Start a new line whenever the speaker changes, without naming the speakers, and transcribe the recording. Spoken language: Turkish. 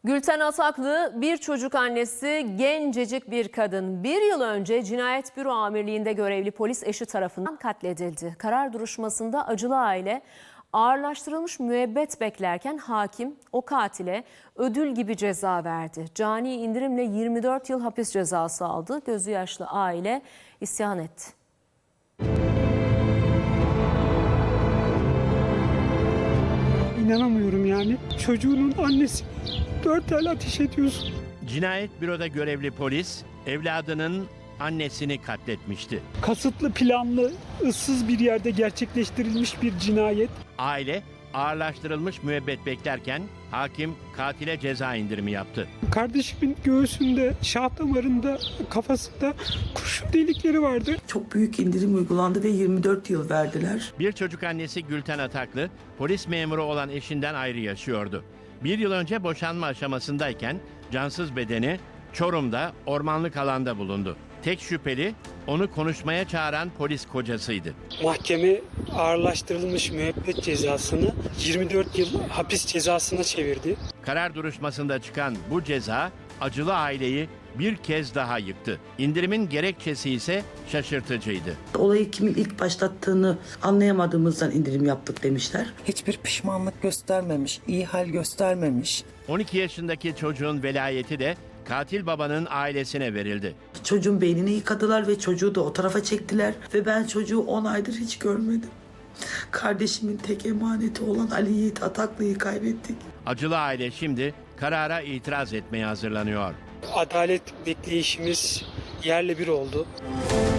Gülten Ataklı bir çocuk annesi, gencecik bir kadın. Bir yıl önce Cinayet Büro Amirliği'nde görevli polis eşi tarafından katledildi. Karar duruşmasında acılı aile ağırlaştırılmış müebbet beklerken hakim o katile ödül gibi ceza verdi. Cani indirimle 24 yıl hapis cezası aldı. Gözü yaşlı aile isyan etti.
İnanamıyorum yani. Çocuğunun annesi 4 el ateş ediyorsun.
Cinayet büroda görevli polis evladının annesini katletmişti.
Kasıtlı, planlı, ıssız bir yerde gerçekleştirilmiş bir cinayet.
Aile ağırlaştırılmış müebbet beklerken hakim katile ceza indirimi yaptı.
Kardeşimin göğsünde, şah damarında, kafasında kurşun delikleri vardı.
Çok büyük indirim uygulandı ve 24 yıl verdiler.
Bir çocuk annesi Gülten Ataklı polis memuru olan eşinden ayrı yaşıyordu. Bir yıl önce boşanma aşamasındayken cansız bedeni Çorum'da ormanlık alanda bulundu. Tek şüpheli onu konuşmaya çağıran polis kocasıydı.
Mahkeme ağırlaştırılmış müebbet cezasını 24 yıl hapis cezasına çevirdi.
Karar duruşmasında çıkan bu ceza acılı aileyi bir kez daha yıktı. İndirimin gerekçesi ise şaşırtıcıydı.
Olayı kimin ilk başlattığını anlayamadığımızdan indirim yaptık demişler.
Hiçbir pişmanlık göstermemiş, iyi hal göstermemiş.
12 yaşındaki çocuğun velayeti de katil babanın ailesine verildi.
Çocuğun beynini yıkadılar ve çocuğu da o tarafa çektiler. Ve ben çocuğu 10 aydır hiç görmedim. Kardeşimin tek emaneti olan Ali Yiğit Ataklı'yı kaybettik.
Acılı aile şimdi karara itiraz etmeye hazırlanıyor.
Adalet bekleyişimiz yerle bir oldu.